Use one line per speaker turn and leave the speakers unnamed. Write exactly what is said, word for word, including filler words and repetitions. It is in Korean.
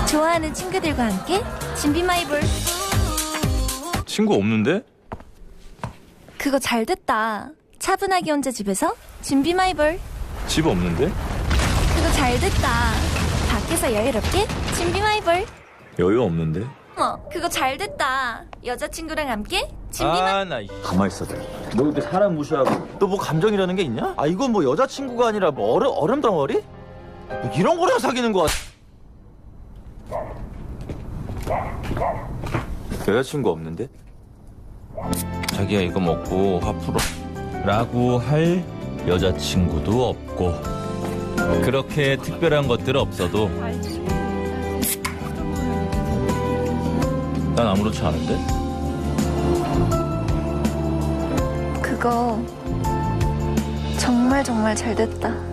좋아하는 친구들과 함께 준비 마이볼.
친구 없는데?
그거 잘 됐다. 차분하게 혼자 집에서 준비 마이볼.
집 없는데?
그거 잘 됐다. 밖에서 여유롭게 준비 마이볼.
여유 없는데?
어, 그거 잘 됐다. 여자친구랑 함께 준비 마이볼.
아나 가만히 있어. 너 근데 사람 무시하고 너 뭐 감정이라는 게 있냐? 아 이건 뭐 여자친구가 아니라 뭐 얼음, 얼음 덩어리? 뭐 이런 거랑 사귀는 거야. 여자친구 없는데?
자기야 이거 먹고 화 풀어 라고 할 여자친구도 없고 그렇게 특별한 것들 없어도 난 아무렇지 않은데?
그거 정말 정말 잘 됐다.